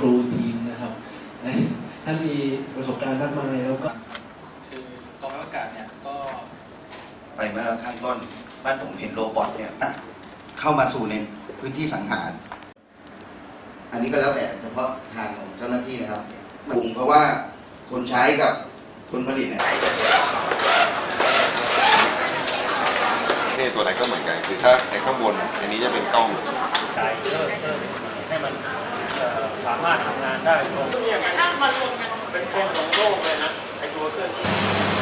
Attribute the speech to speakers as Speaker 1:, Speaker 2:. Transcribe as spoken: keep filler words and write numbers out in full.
Speaker 1: รูทีมนะครับท่านมีประสบการณ์มากมายแล้วก็
Speaker 2: คือกองทัพอากาศเนี่ยก็
Speaker 3: ไปเมื่อข้างต้นบ้านผมเห็นโรบอทเนี่ยเข้ามาสู่ในพื้นที่สังหารอันนี้ก็แล้วแต่เฉพาะทางของเจ้าหน้าที่นะครับมันเพราะว่าคนใช้กับคนผลิตเนี่ย
Speaker 4: นี่ตัวไหนก็เหมือนกันคือถ้าไอ้ข้างบนอันนี้จะเป็นกล้อง
Speaker 5: ใจเพิ่มเพิ่มให้มันสามารถทำงานได้ตรงนี้อย่างไรถ้ามันรวมกันเป็นเป็นของโลกเลยนะไอ้ตัวเครื่องนี้